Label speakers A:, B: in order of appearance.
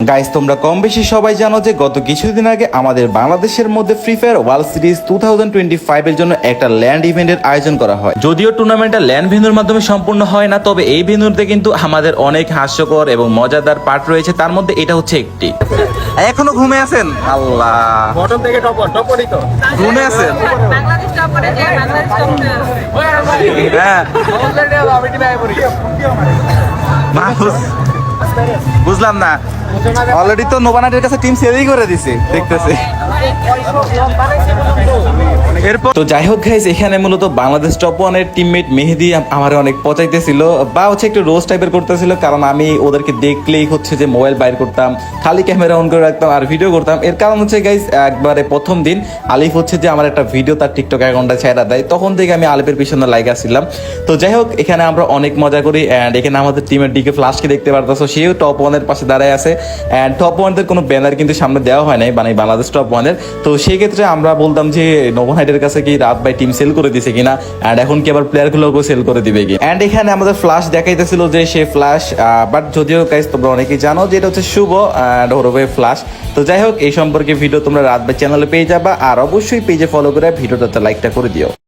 A: Guys তোমরা কম বেশি সবাই জানো যে গত কিছুদিন আগে আমাদের বাংলাদেশের মধ্যে ফ্রি ফায়ার ওয়ার্ল্ড সিরিজ 2025 এর জন্য একটা ল্যান্ড ইভেন্টের আয়োজন করা হয়। যদিও টুর্নামেন্টটা ল্যান্ড ভেন্যুর মাধ্যমে সম্পূর্ণ হয় না, তবে এই ভেন্যুতে কিন্তু আমাদের অনেক হাস্যকর এবং মজাদার পার্ট রয়েছে, তার মধ্যে এটা হচ্ছে একটি। এখনো ঘুমে আছেন? আল্লাহ,
B: বটন থেকে টপরই তো
A: ঘুমে আছেন?
C: বাংলাদেশ টপরে যে বাংলাদেশ টপরে
A: হ্যাঁ বুঝলাম না, অলরেডি তো নোভানাইটের কাছে টিম সেলই করে দিছে দেখতেছি। এরপর তো যাই হোক গাইস, এখানে মূলত বাংলাদেশ টপ ওয়ানের টিমমেট মেহেদি আমার অনেক পচাইতেছিল বা হচ্ছে একটু রোজ টাইপের করতেছিল, কারণ আমি ওদেরকে দেখলেই হচ্ছে যে মোবাইল বাইর করতাম, খালি ক্যামেরা অন করে রাখতাম আর ভিডিও করতাম। এর কারণ হচ্ছে গাইস, একবারে প্রথম দিন আলিফ হচ্ছে যে আমার একটা ভিডিও তার টিকটক অ্যাকাউন্টে ছেড়ে দেয়, তখন থেকে আমি আলিফের পিছনে লাইক আসছিলাম। তো যাই হোক, এখানে আমরা অনেক মজা করি অ্যান্ড এখানে আমাদের টিমের ডিকে ফ্লাশকে দেখতে পারতেছো, সেও টপ ওয়ানের পাশে দাঁড়ায় আছে অ্যান্ড টপ ওয়ানদের কোনো ব্যানার কিন্তু সামনে দেওয়া হয় নাই, মানে বাংলাদেশ টপ ওয়ানের। তো সেই ক্ষেত্রে আমরা বলতাম যে নোভানাইটের কাছে কি রাত বাই টিম সেল করে দিছে কিনা, অ্যান্ড এখন কি আবার প্লেয়ারগুলোকেও সেল করে দিবে কি। অ্যান্ড এখানে আমাদের ফ্লাশ দেখাইতেছিল যে সে ফ্লাশ, বাট যদিও গাইস তোমরা অনেকেই জানো যে এটা হচ্ছে শুভ অ্যান্ড ওরবে ফ্লাশ। তো যাই হোক, এই সম্পর্কে ভিডিও তোমরা রাত বাই চ্যানেলে পেয়ে যাবা, আর অবশ্যই পেজে ফলো করে ভিডিওটাতে লাইকটা করে দিও।